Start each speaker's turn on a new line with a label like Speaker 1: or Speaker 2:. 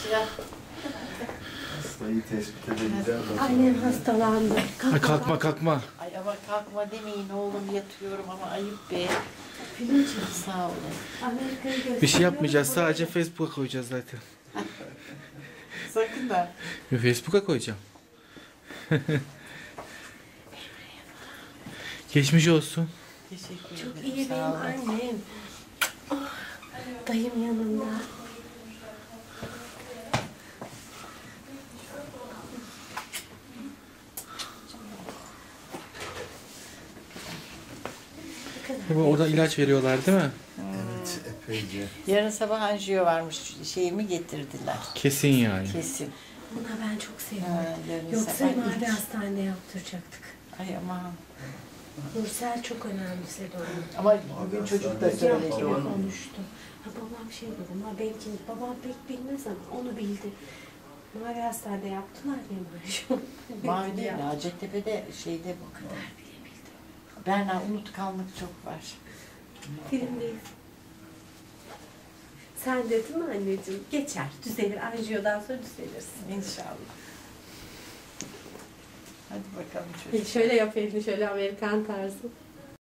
Speaker 1: Hastayı tespit edeceğim.
Speaker 2: Annem hastalandı.
Speaker 3: Kalkma kalkma.
Speaker 4: Ay ama kalkma demeyin oğlum, yatıyorum ama ayıp be.
Speaker 2: Filmciğim.
Speaker 4: Sağ olun.
Speaker 2: Amerika'yı gösteriyor.
Speaker 3: Bir şey yapmayacağız. Sadece Facebook'a koyacağız zaten.
Speaker 4: Sakın da.
Speaker 3: Facebook'a koyacağım. Geçmiş olsun.
Speaker 4: Teşekkür
Speaker 2: Çok
Speaker 4: ederim.
Speaker 2: iyi
Speaker 4: sağ
Speaker 2: benim
Speaker 4: olun.
Speaker 2: annem. Oh, dayım yanında.
Speaker 3: Orada ilaç veriyorlar değil mi?
Speaker 1: Evet, epeyce.
Speaker 4: Yarın sabah anjiyo varmış. Şeyimi getirdiler.
Speaker 3: Kesin yani.
Speaker 4: Kesin.
Speaker 2: Buna ben çok
Speaker 4: Ha,
Speaker 2: seviyorum.
Speaker 4: yarın
Speaker 2: Yoksa
Speaker 4: sabah
Speaker 2: mavi
Speaker 4: ilk.
Speaker 2: hastanede yaptıracaktık.
Speaker 4: Ay aman.
Speaker 2: Nursel çok önemsedi onu.
Speaker 4: Ama bugün çocuk da söyledi
Speaker 2: Yaptı,
Speaker 4: onu.
Speaker 2: konuştu. Ha, babam şey dedi, ama belki babam pek bilmez ama onu bildi. Mavi hastanede yaptılar ya maaşı.
Speaker 4: Mavi değil, Hacettepe'de şeyde bu kadar. Berna, unutkanlık çok var.
Speaker 2: Filmdeyiz. Sen dedin mi anneciğim? Geçer, düzelir. Anjiyodan sonra düzelirsin.
Speaker 4: İnşallah. Hadi bakalım çocuk.
Speaker 2: Şöyle yap elini, şöyle Amerikan tarzı.